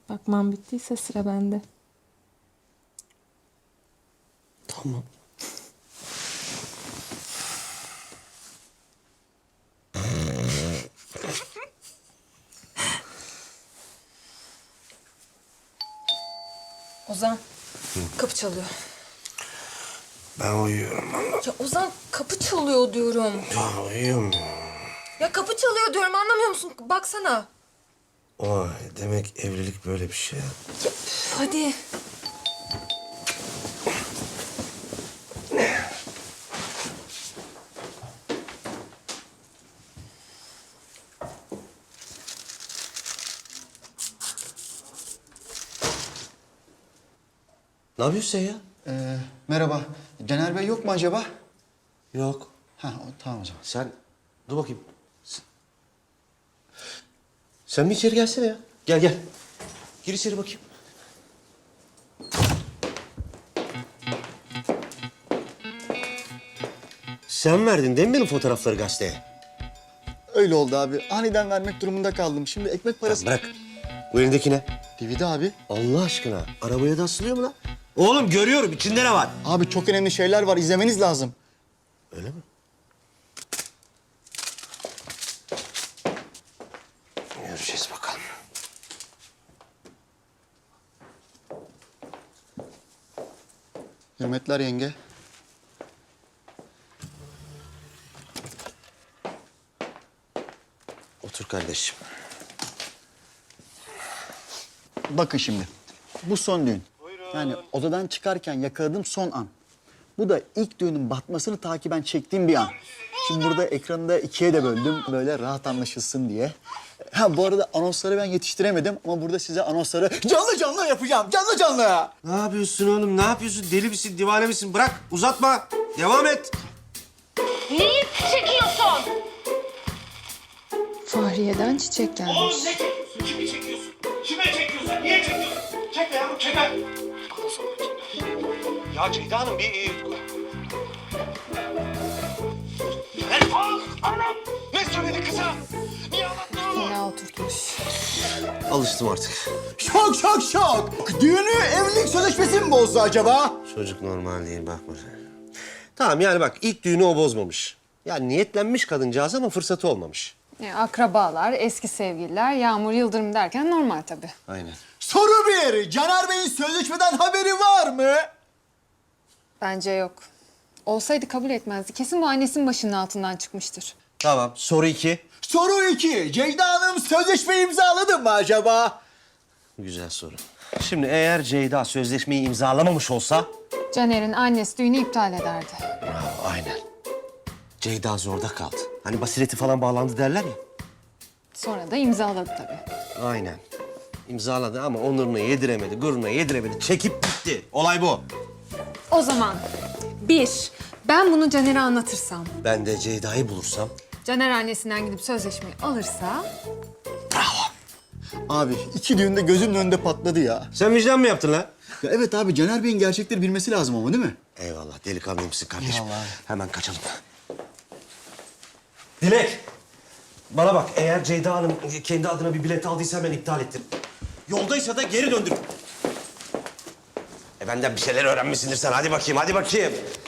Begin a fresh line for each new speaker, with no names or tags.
Bakmam bittiyse sıra bende.
Tamam.
Ozan, kapı çalıyor.
Ben uyuyorum valla.
Ya Ozan, kapı çalıyor diyorum.
Ya uyuyorum.
Ya kapı çalıyor diyorum, anlamıyor musun? Baksana.
Vay demek evlilik böyle bir şey.
Ya, hadi.
Ne yapıyorsun sen ya?
Merhaba. Caner Bey yok mu acaba?
Yok.
Tamam o zaman.
Sen dur bakayım. Sen bir içeri gelsene ya. Gel gel. Gir içeri bakayım. Sen verdin değil mi benim fotoğrafları gazeteye?
Öyle oldu abi. Aniden vermek durumunda kaldım. Şimdi ekmek parası...
Bırak. Bu elindeki ne?
DVD abi.
Allah aşkına. Arabaya da asılıyor mu lan? Oğlum görüyorum. İçinde ne var?
Abi çok önemli şeyler var. İzlemeniz lazım.
Öyle mi? Göreceğiz bakalım.
Hürmetler yenge.
Otur kardeşim.
Bakın şimdi. Bu son düğün. Yani odadan çıkarken yakaladığım son an. Bu da ilk düğünün batmasını takiben çektiğim bir an. Şimdi burada ekranı da ikiye de böldüm. Böyle rahat anlaşılsın diye. Ha bu arada anonsları ben yetiştiremedim ama burada size anonsları canlı canlı yapacağım. Canlı canlı.
Ne yapıyorsun oğlum? Ne yapıyorsun? Deli misin? Divane misin? Bırak. Uzatma. Devam et.
Neyi çekiyorsun?
Fahriye'den çiçek gelmiş.
Oğlum ne çekiyorsun? Kimi çekiyorsun? Kime çekiyorsun? Niye çekiyorsun? Çekme yavrum çekme. Bana sonra çekme. Ya Ceyda Hanım bir... Anam! Ne söyledi kıza? Niye anlattın onu?
Fena oturtmuş.
Alıştım artık.
Şok şok şok. Düğünü evlilik sözleşmesi mi bozdu acaba?
Çocuk normal değil bakma sen. Tamam yani bak ilk düğünü o bozmamış. Yani niyetlenmiş kadıncağız ama fırsatı olmamış.
Akrabalar, eski sevgililer, Yağmur Yıldırım derken normal tabii.
Aynen.
Soru bir. Caner Bey'in sözleşmeden haberi var mı?
Bence yok. Olsaydı kabul etmezdi. Kesin bu annesinin başının altından çıkmıştır.
Tamam. Soru 2.
Soru 2. Ceyda Hanım sözleşme imzaladı mı acaba?
Güzel soru. Şimdi eğer Ceyda sözleşmeyi imzalamamış olsa...
Caner'in annesi düğünü iptal ederdi.
Bravo, aynen. Ceyda zorda kaldı. Hani basireti falan bağlandı derler ya.
Sonra da imzaladı tabii.
Aynen. İmzaladı ama onuruna yediremedi, gururuna yediremedi. Çekip gitti. Olay bu.
O zaman bir, ben bunu Caner'e anlatırsam,
Ben de Ceyda'yı bulursam...
Caner annesinden gidip sözleşmeyi alırsa...
Abi 2 düğünde gözümün önünde patladı ya.
Sen vicdan mı yaptın lan?
Ya evet abi Caner Bey'in gerçekleri bilmesi lazım ama değil mi?
Eyvallah. Delikanlıymışsın kardeşim.
Eyvallah.
Hemen kaçalım. Dilek. Bana bak. Eğer Ceyda Hanım kendi adına bir bilet aldıysa ben iptal ettim. Yoldaysa da geri döndür. Benden bir şeyler öğrenmişsindir sen. Hadi bakayım, hadi bakayım.